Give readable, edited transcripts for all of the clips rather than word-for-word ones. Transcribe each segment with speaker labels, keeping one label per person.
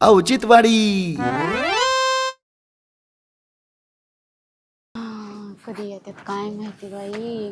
Speaker 1: औचित्यवाडी.
Speaker 2: कधी येतात काय माहिती बाई.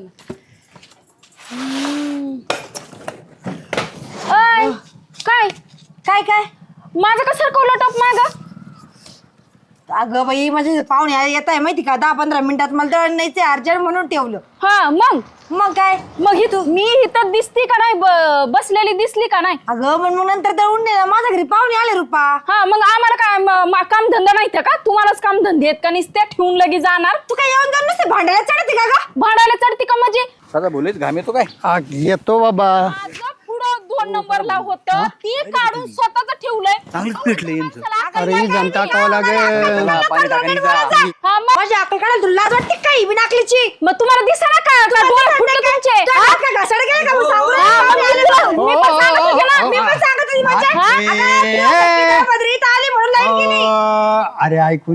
Speaker 2: काय
Speaker 3: काय काय
Speaker 2: माझं कसं सरकवलं टॉप माझं.
Speaker 3: अगं बाई माझे पाहुणे येत आहे माहिती का 10-15 मिनिटात मला दळण न्यायचे अर्जंट म्हणून ठेवलं.
Speaker 2: हा
Speaker 3: मग काय
Speaker 2: मग मी इथं दिसती का नाही बसलेली दिसली का नाही.
Speaker 3: अगं मग नंतर दळून दे माझ्या घरी पाहुणे आले रुपा.
Speaker 2: हा मग आम्हाला काय काम धंदा नाही का तुम्हालाच काम धंदे आहेत का नुसत्या ठेवून लगे जाणार.
Speaker 3: तू काय येऊन जाऊन नसते भांडायला चढते का ग.
Speaker 2: भाडायला चढती का म्हणजे
Speaker 4: साधा बोलेच घाम येतो काय
Speaker 5: येतो बाबा.
Speaker 2: माझं पुढं 2 नंबरला होतं ती काढून स्वतःच ठेवलंय.
Speaker 4: चांगलीच पेटलं यांचं.
Speaker 5: अरे ही जण टाकावं लागेल.
Speaker 4: पाणी टाकायचं.
Speaker 2: हा मग
Speaker 3: माझी अक्कल काढायला तुला लाज वाटते काही बी नाकलीची.
Speaker 2: मग तुम्हाला दिसना का डोळे फुटले तुमचे.
Speaker 3: घासाड गेले का मग सांगू
Speaker 2: हा, मग मी पण सांगत होते ना.
Speaker 3: मी पण सांगत होती माझ्या आली म्हणून लाईन केली.
Speaker 5: अरे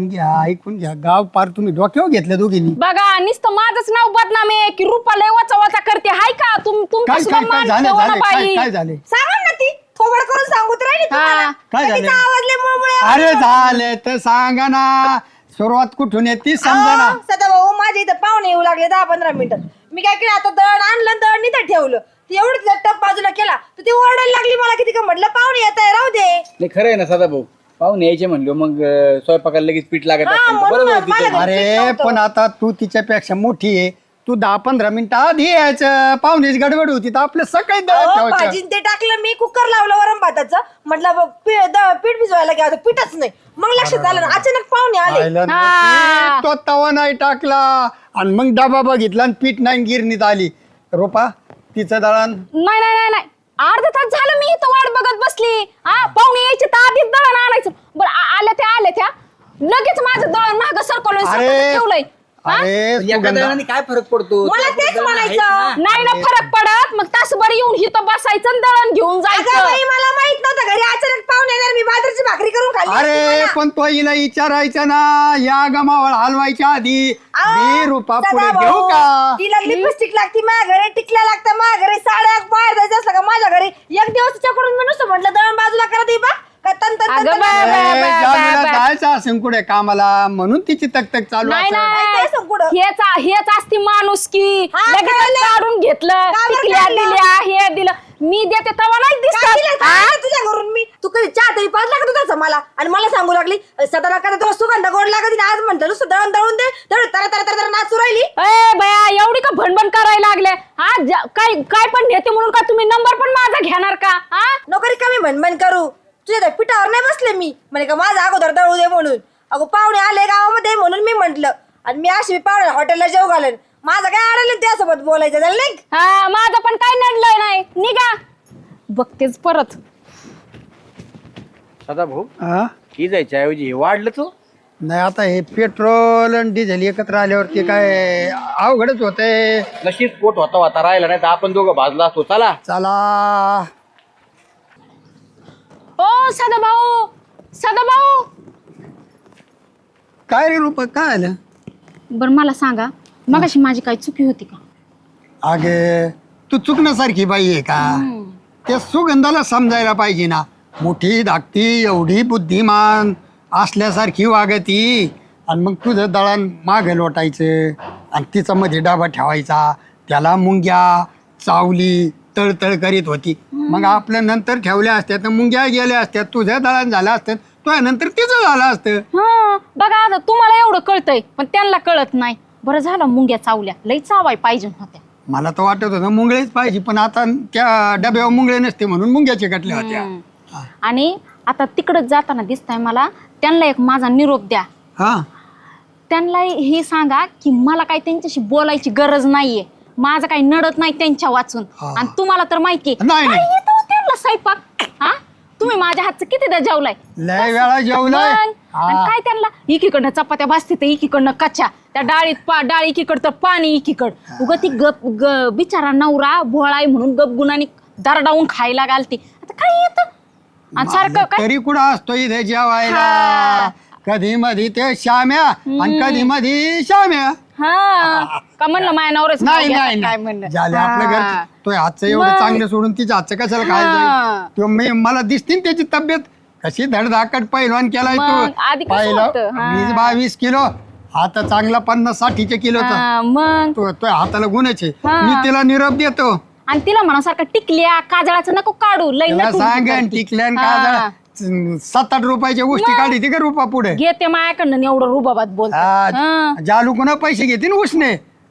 Speaker 5: ऐकून घ्या गाव पार तुम्ही डोक्यावर घेतलं दोघींनी.
Speaker 2: बघा नुसतं माझंच नाव बदनाम आहे की रुपा लय वाचा वाचा करते हाय का तुमचं
Speaker 5: काय
Speaker 2: सुद्धा
Speaker 5: काय
Speaker 2: मान
Speaker 5: झालं
Speaker 2: ठेवा ना बाई.
Speaker 5: काय झाले
Speaker 3: सांगा ना ती थोबड करून सांगूत राहिली तुम्हाला.
Speaker 5: काय झालं?
Speaker 3: तिचा आवाज लय मुळमुळे
Speaker 5: अरे झाले तर सांगा ना. सुरुवात कुठून येते समजा ना.
Speaker 3: सदा भाऊ माझ्या इथं पाहुणे येऊ लागले 10-15 मिनिटात. मी काय केलं आता दळण आणलं दळण इथं ठेवलं. ती एवढं टप बाजूला केला तर ती ओरडायला लागली मला किती का म्हटलं पाहुणे येत आहे राहू दे.
Speaker 4: नाही खरं आहे ना साधा भाऊ पाहुणे यायचे म्हणलो मग स्वयंपाकाला लगेच पीठ लागत
Speaker 3: हा,
Speaker 4: असेल तर
Speaker 3: म्हणून
Speaker 4: बरोबर
Speaker 3: मला
Speaker 4: तिचं.
Speaker 5: अरे पण आता तू तिच्यापेक्षा मोठी आहे. तू 10-15 मिनिटं आधी यायचं. पाहुण्याची गडबड होती तर आपलं सकाळी दळण ठेवायचं.
Speaker 3: भाजीन ते टाकलं मी कुकर लावलं वरण भाताचं म्हटलं पीठ भिजवायला घ्या पीठच नाही. मग लक्षात आलं ना अचानक पाहुणे आले.
Speaker 5: पाहिलं ना?
Speaker 2: हा.
Speaker 5: तो तवा नाही टाकला आणि मग डबा बघितला आणि पीठ नाही गिरणीत आली. रोपा तिचं दळण
Speaker 2: नाही नाही नाही नाही अर्धा तास झालं मी इथं वाट बघत बसली. हा पाहुणे यायचे तर आधीच दळण आणायचं. बरं आल्या त्या लगेच माझं दळण मागं सरकवलं ठेवलंय.
Speaker 5: अरे
Speaker 4: एका दळणाने काय फरक पडतो
Speaker 3: मला तेच
Speaker 4: दळण आहेच
Speaker 3: म्हणायचं.
Speaker 4: ना.
Speaker 2: नाही ना फरक पडत मग तासभर येऊन इथं बसायचं आणि दळण घेऊन
Speaker 3: अगं
Speaker 2: जायचं.
Speaker 3: बाई, मला माहित नव्हतं घरी अचानक पाहुणे येणार. मी बाजरीची भाकरी करून खाल्ली असती
Speaker 5: अरे
Speaker 3: मला.
Speaker 5: पण तो हिला विचारायचं ना. या गमावळ हलवायच्या आधी
Speaker 3: अहो,
Speaker 5: मी रुपा
Speaker 3: सदा
Speaker 5: पुढे
Speaker 3: भाऊ,
Speaker 5: घेऊ का.
Speaker 3: तिला लिपस्टिक लागती माझ्या घरी टिकल्या लागतं माझ्या घरी साड्या बाहेर जायचं असलं का माझ्या घरी एक दिवस तिच्याकडून मी नुसतं म्हटलं दळण बाजूला करा दे बा का तन तन तन
Speaker 2: अगं
Speaker 3: तन.
Speaker 2: बाय, बाय,
Speaker 5: ए,
Speaker 2: बाय,
Speaker 5: जाऊया,
Speaker 2: बाय.
Speaker 5: जायचं असेल कुठे कामाला म्हणून तिची तक चालू
Speaker 2: नाही
Speaker 5: असेल.
Speaker 3: काय
Speaker 2: नाही
Speaker 3: संकुडं?
Speaker 2: हेच असती माणूस की
Speaker 3: हा,
Speaker 2: लगेच
Speaker 3: कळलं.
Speaker 2: काढून घेतलं
Speaker 3: का बरं
Speaker 2: टिकल्या
Speaker 3: काढलं?
Speaker 2: दिल्या हे दिलं मी देते तेव्हा नाही
Speaker 3: काय दिलं?
Speaker 2: दिसत.
Speaker 3: काय दिलं तुझ्या घरून मी तू कधी चहा तरी पाच लागत होताच मला आणि मला सांगू लागली सदा का तुला सुगंध गोड लागत आज म्हणतो नुसतं दळण दळून दे दळ तर तर तर नाचू राहिली.
Speaker 2: ए बया एवढी का भणभण करायला लागले. हा काय पण घेते म्हणून का तुम्ही नंबर पण माझा घेणार का. हा
Speaker 3: नोकरी कमी म्हणमन करू तुझ्या त्या पिठावर नाही बसले मी म्हणे का माझा अगोदर दळू दे म्हणून. अगो पाहुणे आले गावामध्ये म्हणून मी म्हंटल आणि मी अशी पाहुणे हॉटेलला जेव घालेन माझं काय अडलं त्यासोबत बोलायचं झालं नाही.
Speaker 2: हा माझं पण काय नडलंय नाही निघा बघतेच परत.
Speaker 4: साधा भाऊ
Speaker 5: हा?
Speaker 4: ही जायच्या ऐवजी हे वाढलं तू
Speaker 5: नाही आता हे पेट्रोल आणि डिझेल एकत्र आल्यावरती काय अवघडच होतंय.
Speaker 4: नशीब पोट होता राहिला नाही तर आपण दोघं भाजला असतो. चला
Speaker 5: चला
Speaker 2: ओ सदाभाऊ
Speaker 5: काय रे रुपा काय आलं.
Speaker 2: बर मला सांगा मगाशी माझी काही चुकी होती का.
Speaker 5: अगे तू चुकण्यासारखी बाई आहे का. त्या सुगंधाला समजायला पाहिजे ना. मोठी धाकटी एवढी बुद्धिमान असल्यासारखी वागती आणि मग तुझं दळण मागे लोटायचं आणि तिचा मध्ये डाबा ठेवायचा. त्याला मुंग्या चावली तळतळ करीत होती. मग आपल्या नंतर ठेवल्या असत्या तर मुंग्या गेल्या असत्या. तुझं दळण झालं असतं तुझ्या नंतर तिचं झालं असतं.
Speaker 2: हा बघा आता तुम्हाला एवढं कळतंय पण त्यांना कळत नाही. बरं झालं मुंग्या चावल्या लई चावाय पाहिजे होत्या.
Speaker 5: मला तर वाटत होतं मुंगळेच पाहिजे पण आता त्या डब्यावर मुंगळे नसते म्हणून मुंग्याचे कटल्या होत्या.
Speaker 2: आणि आता तिकडच जाताना दिसताय मला त्यांना एक माझा निरोप द्या.
Speaker 5: हा
Speaker 2: त्यांना हे सांगा की मला काही त्यांच्याशी बोलायची गरज नाहीये. माझं काही नडत नाही त्यांच्या वाचून.
Speaker 5: हा.
Speaker 2: आणि तुम्हाला तर माहितीये
Speaker 5: नाही, नाही.
Speaker 2: काय येतं हो त्यांना स्वयंपाक. हा तुम्ही माझ्या हातचं कितीदा जेवलाय.
Speaker 5: लय वेळा जेवलाय.
Speaker 2: मग, आणि काय त्यांना एकीकडनं चपात्या भाजते तर एकीकडनं कच्च्या त्या डाळीत डाळ एकीकड तर पाणी एकीकड उग ती बिचारा नवरा भोळाय म्हणून गपगुणाने दरडावून खायला घालते. आता काय येतं आणि सारखं काय
Speaker 5: तरी कुठं असतो इथे जेवायला.
Speaker 2: हा.
Speaker 5: कधी मधी ते श्याम्या आणि कधी मधी श्याम्या.
Speaker 2: हा का म्हणलं माझ्या नवऱ्याचं नाव
Speaker 5: नाही
Speaker 2: घेतात
Speaker 5: नाही
Speaker 2: काय
Speaker 5: नाही
Speaker 2: म्हणलं.
Speaker 5: झाले आपल्या
Speaker 2: हा.
Speaker 5: घरचं तो हातचं एवढं
Speaker 2: मग.
Speaker 5: चांगलं सोडून तिच्या हातचं कशाला
Speaker 2: हा.
Speaker 5: खायला मला दिसते ना त्याची तब्येत कशी धडधाकट पैलवान केलाय
Speaker 2: मग आधी
Speaker 5: तू
Speaker 2: कसं होतं? हा.
Speaker 5: 20-22 किलो आता चांगला 50-60 किलोचा
Speaker 2: हा, मग
Speaker 5: तो हाताला गुन्हेच आहे.
Speaker 2: हा.
Speaker 5: मी तिला निरोप देतो.
Speaker 2: आणि तिला म्हणा सारखं टिकल्या काजळाचं नको काढू लई
Speaker 5: तिला
Speaker 2: नटून
Speaker 5: सांगेन
Speaker 2: करते.
Speaker 5: टिकल्यान
Speaker 2: हा.
Speaker 5: का 7-8 रुपयाच्या गोष्टी काढी ती का रुपा पुढे
Speaker 2: घेते मायाकडनं एवढं रुबाबात बोलत
Speaker 5: जालू कोणा पैसे घेते ना उसने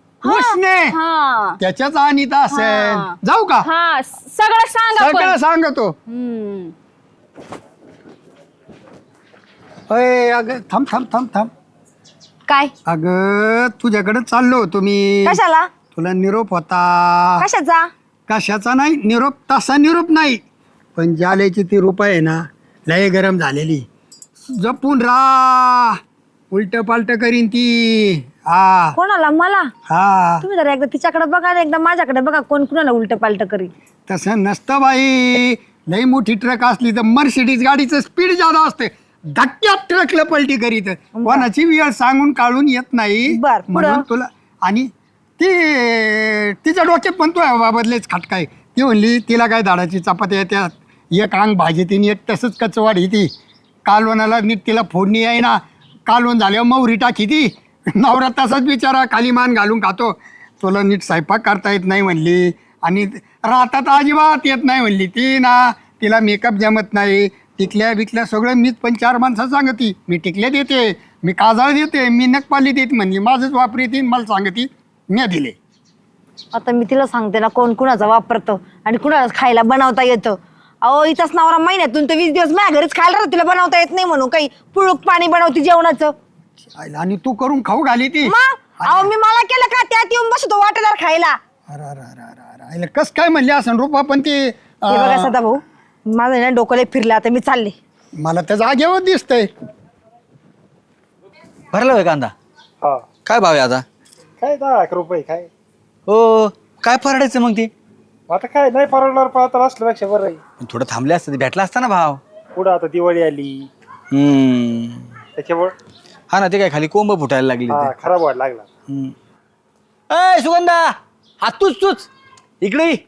Speaker 2: हा
Speaker 5: त्याच्याच आणि
Speaker 2: हा.
Speaker 5: असेल जाऊ का
Speaker 2: हा सगळं सांगा पण.
Speaker 5: सगळं सांगतो.
Speaker 2: हम्म.
Speaker 5: अय अगं थांब थांब थांब थांब
Speaker 3: काय
Speaker 5: अगं तुझ्याकडे चाललो होतो मी.
Speaker 3: कशाला
Speaker 5: तुला निरोप होता.
Speaker 3: कशाचा
Speaker 5: कशाचा नाही निरोप तसा निरोप नाही पण जालेची ती रुपा आहे ना लय गरम झालेली जपून उलट पालट करीन ती. हा
Speaker 3: कोणाला मला
Speaker 5: हा
Speaker 3: तुम्ही जरा एकदा तिच्याकडे बघा आणि एकदा माझ्याकडे बघा कोण कुणाला उलट पालट करी.
Speaker 5: तसं नसतं बाई. लई मोठी ट्रक असली तर मर्सिडीज गाडीचं स्पीड जादा असते धक्क्यात ट्रकला पलटी करीत कोणाची वेळ सांगून काढून येत नाही.
Speaker 3: बर, पुढं?
Speaker 5: म्हणून तुला आणि ती तिच्या डोक्यात पण तो बाबतलेच खटकाय. ती म्हणली तिला काय दाडाची चपात्या येत्यात एक अंग भाजी तिने एक तसंच कचवाडी ती कालवणाला नीट तिला फोडणी आहे ना कालवण झाल्यावर मौरी टाकी ती नवरा तसाच बिचारा खाली मान घालून खातो. तुला नीट स्वयंपाक करता येत नाही म्हणली आणि राहतात अजिबात येत नाही म्हणली ती ना. तिला मेकअप जमत नाही टिकल्या बिकल्या सगळं मीच पण 4 माणसं सांगती. मी टिकल्या देते मी काजळ देते मी नखपाली देते म्हणली माझंच वापरी ती मला सांगती मी दिले.
Speaker 3: आता मी तिला सांगते ना कोण कुणाचा वापरतो आणि कुणाला खायला बनवता येतं. अहो इथंच नवरा महिन्यातून तर 20 दिवस माझ्या घरीच खायला राहतो तिला बनवता येत नाही म्हणून काही पुळूक पाणी बनवते जेवणाचं.
Speaker 5: आणि तू करून खाऊ घाली ती.
Speaker 3: मग अहो मी मला केलं का त्यात येऊन बसतो वाटेदार खायला.
Speaker 5: अरे कस काय म्हणले असं रुपा पण ती
Speaker 3: हे बघा सदा भाऊ माझं ना डोकं लय फिरलं आता मी चालले.
Speaker 5: मला त्या जागेवर दिसतंय.
Speaker 1: भरला होय कांदा
Speaker 6: हा
Speaker 1: काय भाव आहे आता
Speaker 6: काय 10 रुपये काय
Speaker 1: हो काय परवडायचं मग ते
Speaker 6: आता काय नाही परवडणार पण आता असल्यापेक्षा बरं आहे.
Speaker 1: थोडं थांबले असतं ते भेटला असता ना भाव
Speaker 6: पुढं आता दिवाळी आली त्याच्यामुळे
Speaker 1: हा ना ते काय खाली कोंब फुटायला लागली
Speaker 6: हा खराब व्हायला लागला.
Speaker 1: अय सुगंधा हा तूच इकडे ये.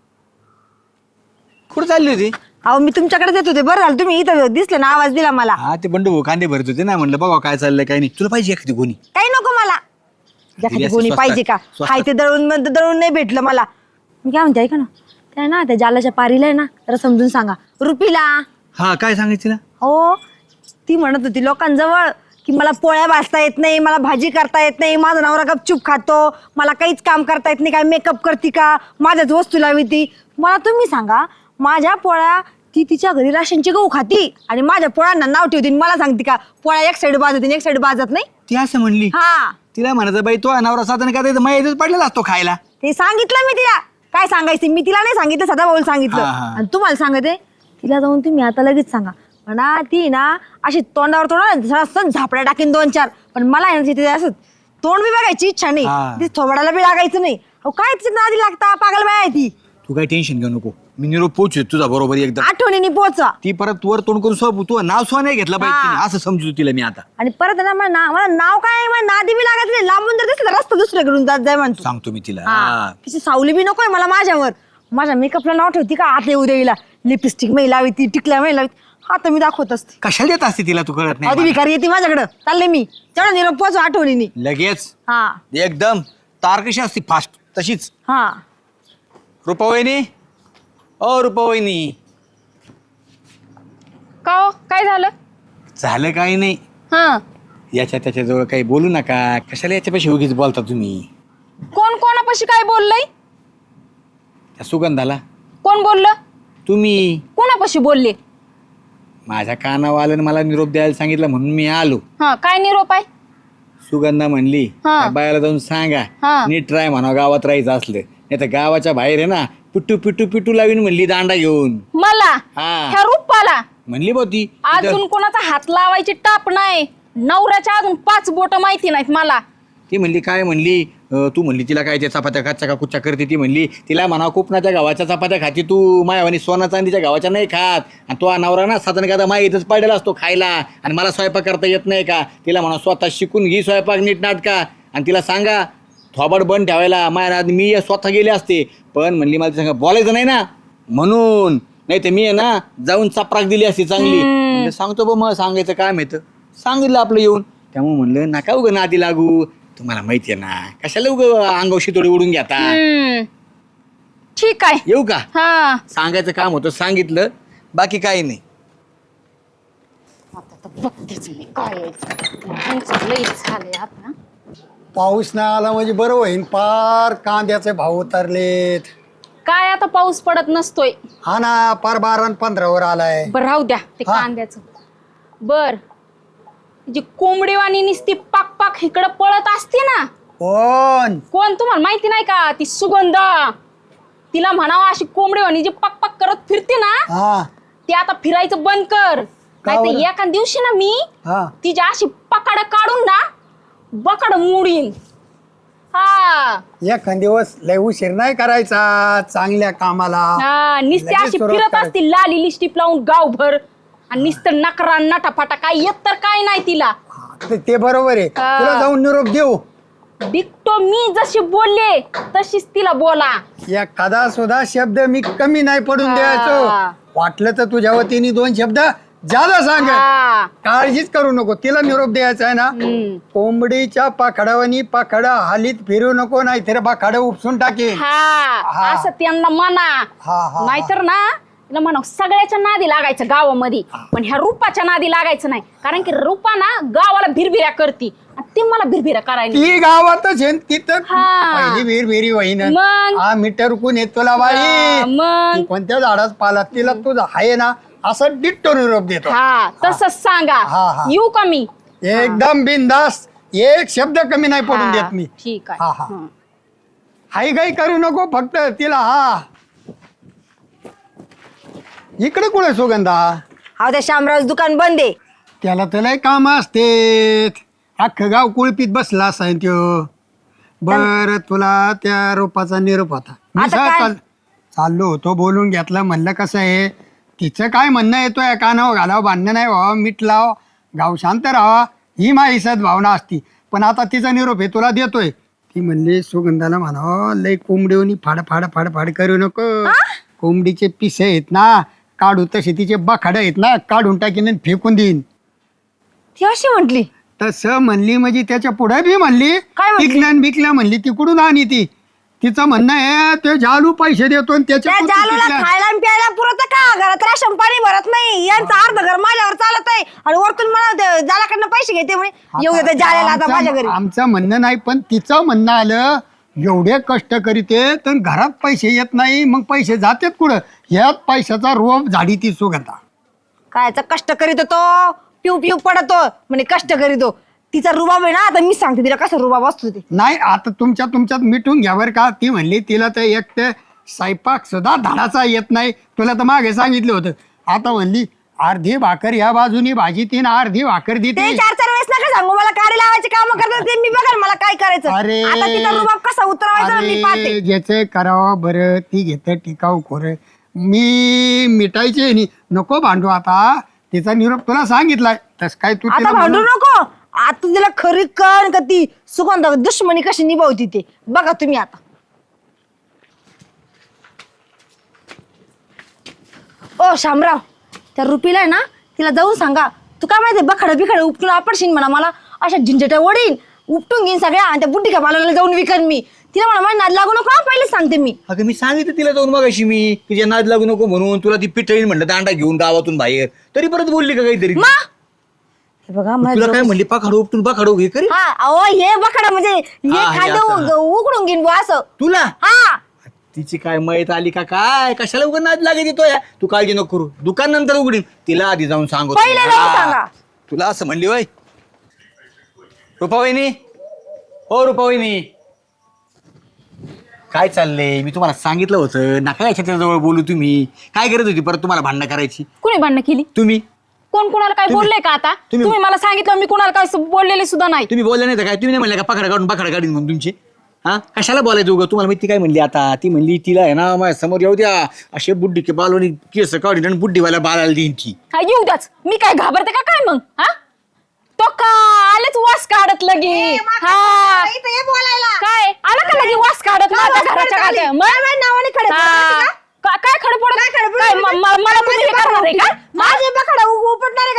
Speaker 1: कुठं चालली होती
Speaker 3: अहो मी तुमच्याकडे येत होते बरं झालं तुम्ही इथं दिसले ना आवाज दिला मला.
Speaker 1: हा ते बंडू भाऊ कांदे भरत होते ना म्हणलं बघा काय चाललंय काय नाही तुला पाहिजे एखादी गोणी
Speaker 3: काही नको मला एखादी
Speaker 1: असं
Speaker 3: कोणी
Speaker 1: स्वस्तात-
Speaker 3: पाहिजे का
Speaker 1: स्वस्तात.
Speaker 3: हाय ते दळून नाही भेटलं मला. मी काय म्हणते ऐका ना त्या ना त्या जालाच्या पारीला आहे ना जरा समजून सांगा रुपीला.
Speaker 1: हा काय सांगायचं तिला
Speaker 3: हो ती म्हणत होती लोकांजवळ की मला पोळ्या भाजता येत नाही मला भाजी करता येत नाही माझा नवरा गपचूप खातो मला काहीच काम करता येत नाही काय मेकअप करते का माझ्याच वस्तू लावी ती. मला तुम्ही सांगा माझ्या पोळ्या ती तिच्या घरी राशनची गहू खाती आणि माझ्या पोळ्यांना नाव ठेवते आणि मला सांगते का पोळ्या एक साईड बाजत एक साईड बाजत नाही.
Speaker 1: ती असं म्हणली
Speaker 3: हा
Speaker 1: तिला म्हणायचं बाई तो नवरा साधन का माहितीच पडलेला असतो खायला.
Speaker 3: ते सांगितलं मी तिला काय सांगायचं मी तिला नाही सांगितलं सदा भाऊला सांगितलं.
Speaker 1: हा, हा.
Speaker 3: आणि तुम्हाला सांगते तिला जाऊन तुम्ही आता लगेच सांगा म्हणा ती ना अशी तोंडावर तोंड झापड्या टाकीन 2-4 पण मला आहे ना तिथे असं तोंड बी बघायची इच्छा नाही
Speaker 1: हा.
Speaker 3: ती थोबडाला बी लागायचं नाही. अहो काय तिच्या नादी लागता पागल बाय आहे ती.
Speaker 1: तू काही टेन्शन घेऊ नको मी निरोप पोहोचू तुझा बरोबर एकदम.
Speaker 3: आठवणीने पोचा
Speaker 1: ती परत वर तोंड करून सोप तू नाव सुद्धा नाही घेतलं पाहिजे
Speaker 3: हा.
Speaker 1: तिने, असं समजू तिला मी आता
Speaker 3: आणि परत आहे ना मला नाव काय आहे, मला नादी बी लागत नाही लांबून जर दिसलं तर रस्ता दुसऱ्याकडून जात जाय म्हणतो.
Speaker 1: सांगतो मी तिला
Speaker 3: हा.
Speaker 1: हा.
Speaker 3: तिची सावली बी नकोय मला माझ्यावर माझ्या मेकअपला नाव ठेवती का आता येऊ देईला लिपस्टिक मै लावी ती टिकल्या मै लावी आता मी दाखवत असते.
Speaker 1: कशाला देत असते तिला तू कळत
Speaker 3: आधी
Speaker 1: नाही
Speaker 3: भिकारी येते माझ्याकडं चालले मी तेवढा निरोप पोचू आठवणीने.
Speaker 1: लगेच
Speaker 3: हा
Speaker 1: एकदम तार कशी असते फास्ट तशीच.
Speaker 3: हा
Speaker 1: रुपावहिनी ओ रुपावहिनी
Speaker 2: का हो? काय झालं
Speaker 1: झालं काही नाही
Speaker 2: हा
Speaker 1: याच्या त्याच्याजवळ काही बोलू नका कशाला याच्यापाशी उगीच बोलता तुम्ही.
Speaker 2: कोण कोणापाशी काय बोललंय
Speaker 1: त्या सुगंधाला
Speaker 2: कोण बोललं
Speaker 1: तुम्ही
Speaker 2: कोणापाशी बोलले.
Speaker 1: माझ्या कानावर आलं आणि मला निरोप द्यायला सांगितलं म्हणून मी आलो.
Speaker 2: हा काय निरोप आहे.
Speaker 1: सुगंधा म्हणली
Speaker 2: हा.
Speaker 1: त्या बायाला जाऊन सांगा
Speaker 2: हा.
Speaker 1: नीट ट्राय म्हणा गावात राहायचं असलं नाही तर गावाच्या बाहेर आहे ना पिट्टू पिट्टू पिट्टू लावीन म्हणली दांडा घेऊन.
Speaker 2: मला
Speaker 1: हा.
Speaker 2: ह्या रूपाला
Speaker 1: म्हणली बो ती
Speaker 2: अजून कोणाचा हात लावायची टाप नाही नवऱ्याच्या अजून 5 बोट माहिती नाहीत मला.
Speaker 1: ती म्हणली काय म्हणली तू म्हणली तिला काय त्या चपात्या खाच्या का कुच्च्या करते ती म्हणली तिला म्हणा कोकणाच्या गावाच्या चपात्या खाती तू मायावानी सोना चांदीच्या गावाच्या नाही खात आणि तो नवरा ना साधन का माय इथंच पडलेला असतो खायला आणि मला स्वयंपाक करता येत नाही का. तिला म्हणा स्वतः शिकून घे स्वयंपाक नीट नाटका आणि तिला सांगा थोबाड बंद ठेवायला माया मी स्वतः गेले असते पण म्हणली मला सांगा बोलायचं नाही ना म्हणून नाही तर मी आहे ना जाऊन चपराक दिली असती चांगली म्हणलं, सांगतो बा मग सांगायचं काम येतं. सांगितलं आपलं येऊन. त्यामुळे म्हणलं नका उगं नादी लागू, तुम्हाला माहितीये ना कशाला उगं अंगावर शितोडे उडून घेता.
Speaker 2: ठीक आहे.
Speaker 1: येऊ का?
Speaker 2: हा
Speaker 1: सांगायचं काम होतं, सांगितलं, बाकी काही नाही.
Speaker 2: आता तर बघतेच मी काय यांचं लईच झालंय आता.
Speaker 5: पाऊस नाही आला म्हणजे बरं होईन. पार कांद्याचे भाव उतरलेत.
Speaker 2: काय आता पाऊस पडत नसतोय.
Speaker 5: हा ना, पार 12 आणि 15 आलाय.
Speaker 2: बर राहू द्या ते
Speaker 5: हा.
Speaker 2: कांद्याचं. बर जी कोंबडीवाणी निसती पाक पाक इकडं पळत असते ना,
Speaker 5: कोण?
Speaker 2: कोण तुम्हाला माहिती नाही का? ती सुगंधा. तिला म्हणावं अशी कोंबडीवाणी जी पाक पाक करत फिरते ना,
Speaker 5: हा
Speaker 2: ती आता फिरायचं बंद कर. नाही
Speaker 5: बरं?
Speaker 2: तर एका दिवशी ना मी
Speaker 5: हा
Speaker 2: तिची अशी पकाड काढून ना बकाड मोडीन. हा
Speaker 5: एखाद दिवस लय उशीर नाही करायचा चांगल्या कामाला.
Speaker 2: हा नुसती
Speaker 5: लगेच
Speaker 2: अशी
Speaker 5: सुरुवात
Speaker 2: फिरत
Speaker 5: करायची.
Speaker 2: असती लाली लिस्टिप लावून गावभर आणि नुसतं नकरा नटाफाटा काय येत तर काय नाही तिला.
Speaker 5: ते बरोबर आहे.
Speaker 2: हा.
Speaker 5: तुला जाऊन निरोप देऊ.
Speaker 2: डिक्टो मी जशी बोलले तशीच तिला बोला.
Speaker 5: एखादा सुद्धा शब्द मी कमी नाही पडून
Speaker 2: हा.
Speaker 5: द्यायचो. वाटलं तर तुझ्या वतीने 2 शब्द ज्यादा सांग.
Speaker 2: हा.
Speaker 5: काळजीच करू नको. तिला निरोप द्यायचा आहे ना,
Speaker 2: हम्म.
Speaker 5: कोंबडीच्या पाखडावानी पाखडा हालीत फिरू नको, नाहीतर पाखड उपसून टाकेल.
Speaker 2: हा
Speaker 5: हा.
Speaker 2: असं त्यांना म्हणा.
Speaker 5: हा, हा.
Speaker 2: नाहीतर ना तिला म्हणा सगळ्याच्या नादी लागायचं गावामध्ये, पण ह्या रूपाच्या नादी लागायचं नाही. कारण की रूपा ना गावाला भिरभिऱ्या करती आणि ती मला भिरभिऱ्या करायला.
Speaker 5: ती गावातच आहे न, तिथं
Speaker 2: हा.
Speaker 5: पहिली विहिरी वहीन.
Speaker 2: मग?
Speaker 5: हा मीटर कोण येत तुला बाई.
Speaker 2: हा, मग?
Speaker 5: ती कोणत्या झाडात पालात तिला तुझा आहे ना असं डिट्टो निरोप देतो.
Speaker 2: हा तसंच सांगा.
Speaker 5: हा, हा.
Speaker 2: येऊ का मी?
Speaker 5: एकदम बिनधास्त. एक शब्द कमी नाही पडून
Speaker 2: हा,
Speaker 5: देत मी.
Speaker 2: ठीक
Speaker 5: हा,
Speaker 2: आहे.
Speaker 5: हा.
Speaker 2: हं.
Speaker 5: हाय गाई करू नको फक्त तिला. हा इकडे कुठे सुगंधा?
Speaker 3: हा त्या शामराज दुकान बंद आहे.
Speaker 5: त्याला त्याला काम असते. अख्खं गाव कुळपीत बसला असाय त्यो. बर तुला त्या रोपाचा निरोप होता. मी
Speaker 3: आता काय?
Speaker 5: चाललो होतो बोलून घेतलं. म्हणलं कसं आहे तिचं काय म्हणणं येतोय कानावर घालावं, भांडणं नाही व्हावं, मीठ लाव, गाव शांत राहावा, ही माझी सद्भावना असती. पण आता तिचा निरोप आहे तुला देतोय. ती म्हणली सुगंधाला म्हणावं लय कोंबडीवनी फाड फाड फाड फाड करू नको. कोंबडीचे पिसे आहेत ना काढू, तसे तिचे बखाडं आहेत ना काढून टाकीन आणि फेकून देईन.
Speaker 3: ती अशी म्हटली.
Speaker 5: तसं म्हणली म्हणजे त्याच्या पुढे बी म्हणली
Speaker 3: काय म्हणली?
Speaker 5: विकल्यान बिकल्या म्हणली. तिकडून आणि ती तिचं म्हणणं आहे ते जालू पैसे देतो आणि त्याच्या
Speaker 3: त्या
Speaker 5: पुढचं
Speaker 3: जालूला
Speaker 5: विकल्यान.
Speaker 3: खायला आणि प्यायला पुरत का? घरात राशन पाणी भरत नाही. यांचं अर्ध घर माझ्यावर चालत आहे आणि वरतून मला जालाकडनं पैसे घेते म्हणे. येऊ दे जाल्याला आता माझ्या घरी.
Speaker 5: आमचं म्हणणं नाही पण तिचं म्हणणं आलं एवढे कष्ट करीते तर घरात पैसे येत नाही मग पैसे जातात कुठं? ह्यात पैशाचा रोप झाडी ती सुगंधा.
Speaker 3: कायचा कष्ट करीत तो पिऊ पिऊ पडतो म्हणे कष्ट करीतो. तिचा रुबाब आहे ना. आता मी सांगते तिला कसं रुबाब असतो ते.
Speaker 5: नाही आता तुमच्यात मिटून घ्यावर का? ती म्हणली तिला तर एक ते स्वयंपाक सुद्धा धाडाचा येत नाही. तुला तर मागे सांगितलं होतं. आता म्हणली अर्धी भाकर ह्या बाजूनी भाजी तीन अर्धी भाकर
Speaker 3: ते
Speaker 5: देते.
Speaker 3: 4-4 वेळेस नका सांगू मला. काडी लावायचे काम करतात ते मी बघाल मला काय करायचं.
Speaker 5: अरे
Speaker 3: आता तिचा रुबाब कसा उतरवायचा मी पाहते.
Speaker 5: अरे ज्याचे करावं बरं ती घेतं टिकाऊ खोर. मी मिटायचे नाही नको भांडू. आता तिचा निरोप तुला सांगितलाय तस काय तू
Speaker 3: आता
Speaker 5: तिला
Speaker 3: भांडू
Speaker 5: म्हणू-
Speaker 3: नको. आता तिला खरी कण का ती सुगंध दुश्मनी कशी निभावती ते बघा तुम्ही. आता ओ शामराव त्या रुपीला आहे ना तिला जाऊन सांगा. तू काय माहिती बखाडं बिखाडं उपटून आपडशीन म्हणा. मला अशा झिंझट्या वडीन उपटून घेईन सगळ्या आणि त्या बुड्डी का बालाला जाऊन विकन मी. तिला म्हणा माझ्या नाद लागू नको हा, पहिले सांगते मी.
Speaker 1: अगं मी सांगितलं तिला जाऊन मग अशी मी तिच्या नाद लागू नको म्हणून. तुला ती पिटळीन म्हणलं दांडा घेऊन गावातून बाहेर, तरी परत बोलली का काहीतरी?
Speaker 3: मा हे बघा
Speaker 1: तुला काय म्हणली पाखाडो उपटून पाखाडो हे करी
Speaker 3: हा अहो हे बखाडा म्हणजे हे
Speaker 1: हा, हे
Speaker 3: खांदे
Speaker 1: असं.
Speaker 3: उकडून घेईन बुवा असं.
Speaker 1: तुला
Speaker 3: हा
Speaker 1: तिची काय मयत आली का काय? कशाला उघड नाद लागे तो या? तू काळजी नको करू, दुकान नंतर उघडीन. तिला आधी जाऊन सांगतो.
Speaker 3: पहिले जाऊन सांगा.
Speaker 1: तुला असं म्हणली वय रुपावहिनी? हो रुपावहिनी काय चाललंय? मी तुम्हाला सांगितलं होतं नका याच्या जवळ बोलू. तुम्ही काय करत होती परत? तुम्हाला भांडणं करायची?
Speaker 2: कुणी भांडणं केली?
Speaker 1: तुम्ही
Speaker 2: कोण कोणाला काय बोलले का? आता तुम्ही मला सांगितलं मी कोणाला काय बोललेले सुद्धा नाही.
Speaker 1: तुम्ही बोलले नाही तर काय? तुम्ही नाही म्हणले का पकडा काढून पकडा काढीन म्हणून तुमची? हा कशाला बोलायचं उगं? तुम्हाला माहिती काय म्हणली आता? ती म्हणली तिला आहे ना माझ्या समोर येऊ द्या असे बुड्डी के बालवणी केस काढून आणि बुड्डीवाला बाळाला देईन ती.
Speaker 2: हा येऊ द्याच. मी काय घाबरते का काय मग? हा तो का आलेच वास काढत लगे. हा
Speaker 3: इथं ये बोलायला.
Speaker 2: काय आला का लगे वास काढत
Speaker 3: का
Speaker 2: माझ्या
Speaker 3: वास
Speaker 2: घराच्या
Speaker 3: काढत आली?
Speaker 2: काढ्या?
Speaker 3: काय माझ्या नावाने खडे पडत
Speaker 2: हा.
Speaker 3: होती का?
Speaker 2: काय खडपड
Speaker 3: काय खडबड
Speaker 2: काय
Speaker 3: होती?
Speaker 2: मला तुम्ही हे करणार आहे का?
Speaker 3: माझे बखाडा उपटणारे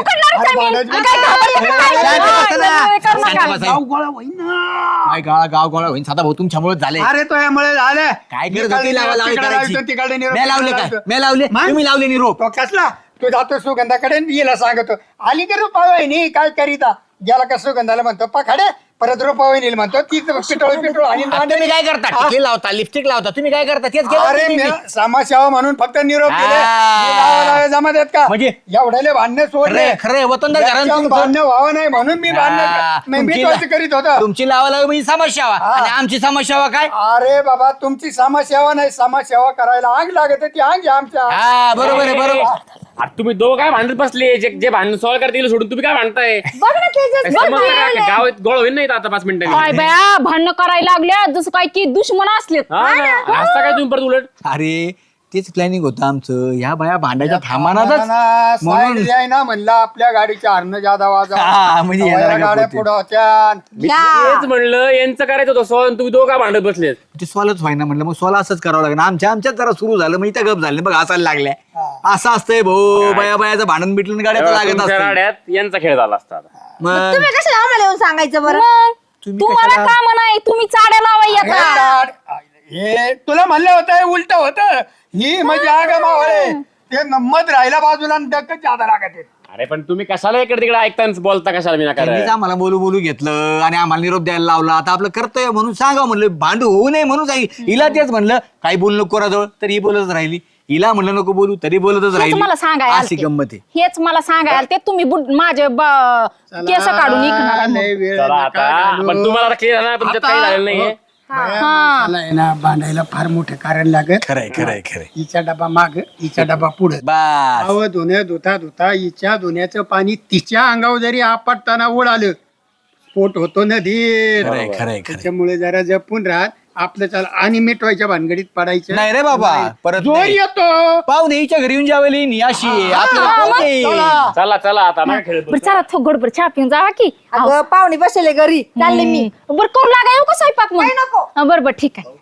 Speaker 2: उकडणारच आहे मी.
Speaker 5: अरे
Speaker 2: मी काय घाबरते का काय?
Speaker 1: शांत बसा ना.
Speaker 2: नाही, करू
Speaker 1: शांत
Speaker 2: नका.
Speaker 1: बसा.
Speaker 5: गाव गोळा होईन ना.
Speaker 1: काय गाव गोळा होईन साधा भाऊ तुमच्यामुळे झाले
Speaker 5: अरे तो यामुळे झालं
Speaker 1: काय करत होती लावालावी करायची?
Speaker 5: तिकडे निरोप
Speaker 1: मी लावले
Speaker 5: तिकडे
Speaker 1: काय
Speaker 5: लावतो.
Speaker 1: मी लावले
Speaker 5: मग?
Speaker 1: तुम्ही लावले निरोप
Speaker 5: तो कसला तू जातो सुगंधाकडे येला सांगतो आली की रुपावाहिनी काय करीता गेला का सुगंधाला म्हणतो पखाडे परत रुपावाहिनी म्हणतो ती पिटोळ आणि
Speaker 1: आता तुम्ही काय करता टिकली लावता लिपस्टिक लावता तुम्ही काय करता तेच केलं
Speaker 5: अरे
Speaker 1: तुम्ही.
Speaker 5: मी समाजसेवा म्हणून फक्त निरोप दिले
Speaker 1: हा.
Speaker 5: मी लावायला जमा देत का
Speaker 1: म्हणजे?
Speaker 5: एवढ्याले भांडणे सोडले
Speaker 1: खरे वतनदार घराणं
Speaker 5: याच्यावर
Speaker 1: तुमचं.
Speaker 5: भांडणं व्हावं नाही म्हणून मी भांडण मी तोच करीत होतो
Speaker 1: तुमची लावाला म्हणजे समस्या आणि आमची समस्या काय
Speaker 5: अरे बाबा तुमची समाजसेवा नाही समाजसेवा करायला आग लागत ती आग आहे आमच्या
Speaker 1: हा बरोबर आहे बरोबर
Speaker 7: अरे तुम्ही दोघं काय भांडत बसले जे भांडण सॉल्व करतील सोडून तुम्ही काय भांडताय
Speaker 3: बघ ना तेजस, बघ
Speaker 7: समजलं
Speaker 3: ना.
Speaker 7: का? गावात गोळ होईल नाही आता 5 मिनिटांनी
Speaker 2: काय बाया भांडणं करायला लागल्या जसं काय की दुश्मन असलेत.
Speaker 7: हा ना. हसता काय तुम्ही परत उलट
Speaker 1: अरे तेच प्लॅनिंग होतं आमचं ह्या बाया भांडायच्या थांबानाच
Speaker 5: साईड
Speaker 1: म्हणून
Speaker 5: द्याय ना म्हणलं आपल्या गाडीच्या हरणं जादा वाजा
Speaker 1: हा, म्हणजे येणाऱ्या
Speaker 5: गाड्या
Speaker 1: होते.
Speaker 5: पुढे होत्या
Speaker 7: मी तेच म्हणलं यांचं करायचं होतं सॉल्व तुम्ही दोघं काय भांडत बसलेत
Speaker 1: ते सॉलच व्हायना म्हटलं मग सॉल असंच करावं लागेल आमच्यात जरा सुरू झालं मग इथं गप झाले बघ हसायला लागल्या असं असतंय भाऊ बाया बायाचं भांडण बिटलं आणि गाड्या तर लागत
Speaker 7: तुमच्या
Speaker 1: असतं
Speaker 7: राड्यात यांचा खेळ झाला असता आता.
Speaker 1: मग
Speaker 3: तुम्ही कशाला आम्हाला येऊन सांगायचं बरं
Speaker 2: मग
Speaker 1: तुम्ही
Speaker 2: तुम्हाला
Speaker 1: कशाला-
Speaker 2: काम नाही तुम्ही चाड्या लावा
Speaker 5: हे
Speaker 2: येता.
Speaker 5: लाड, हे तुला म्हणलं होतं उलट होतं ही म्हणजे आग मावळे ते मत राहिला बाजूला आणि डक्कच जादा लागत आहे.
Speaker 7: अरे पण तुम्ही कशाला इकडे तिकडे ऐकता आणि बोलता कशाला मी नका
Speaker 1: त्यांनीच आम्हाला बोलू घेतलं आणि आम्हाला निरोप द्यायला लावला आता आपलं कर्तव्य म्हणून सांगा म्हणलं भांडू होऊ नये म्हणून सांगितलं हिला तेच म्हणलं काही बोलू नको कोणाजवळ तर ही बोलतच राहिली हिला म्हणलं नको बोलू तरी बोलतच
Speaker 2: हेच
Speaker 1: राहिली
Speaker 2: मला सांगायला
Speaker 1: अशी
Speaker 2: आलते.
Speaker 1: गंमत आहे
Speaker 2: हेच मला सांगायला ते तुम्ही माझे केस काढून इकणार
Speaker 5: लय वेळ
Speaker 7: चला
Speaker 5: नका
Speaker 7: आता
Speaker 5: घालू.
Speaker 7: पण तुम्हाला क्लिअर ना तुमच्यात काही झालेलं नाहीये
Speaker 5: बाया माणसाला आहे ना भांडायला फार मोठं कारण लागत
Speaker 1: खरंय खरंय खरंय
Speaker 5: हिचा डबा माग हिचा डबा पुढे
Speaker 1: बस
Speaker 5: अव धुण्या धुता हिच्या धुण्याचं पाणी तिच्या अंगावर जरी आपटताना उडालं स्फोट होतो नदीत
Speaker 1: खरंय खरंय खरंय
Speaker 5: त्याच्यामुळे जरा जपून राहत आपलं चाल आणि मिटवायच्या भानगडीत पडायचं
Speaker 1: नाही रे बाबा परत
Speaker 5: जोर
Speaker 1: नाही.
Speaker 5: येतो
Speaker 1: पाहुणे हिच्या घरी येऊन जेवायला नी अशी आहे. आपल्याला कोण येईल?
Speaker 7: चला चला आता नाही खेळत
Speaker 2: बरं चला थोडं चहा पिऊन जावा की
Speaker 3: अगं पाहुणे बसले घरी चालले मी
Speaker 2: बरं करू लागा येऊ का स्वयंपाक मग
Speaker 3: काही नको.
Speaker 2: बरं ठीक आहे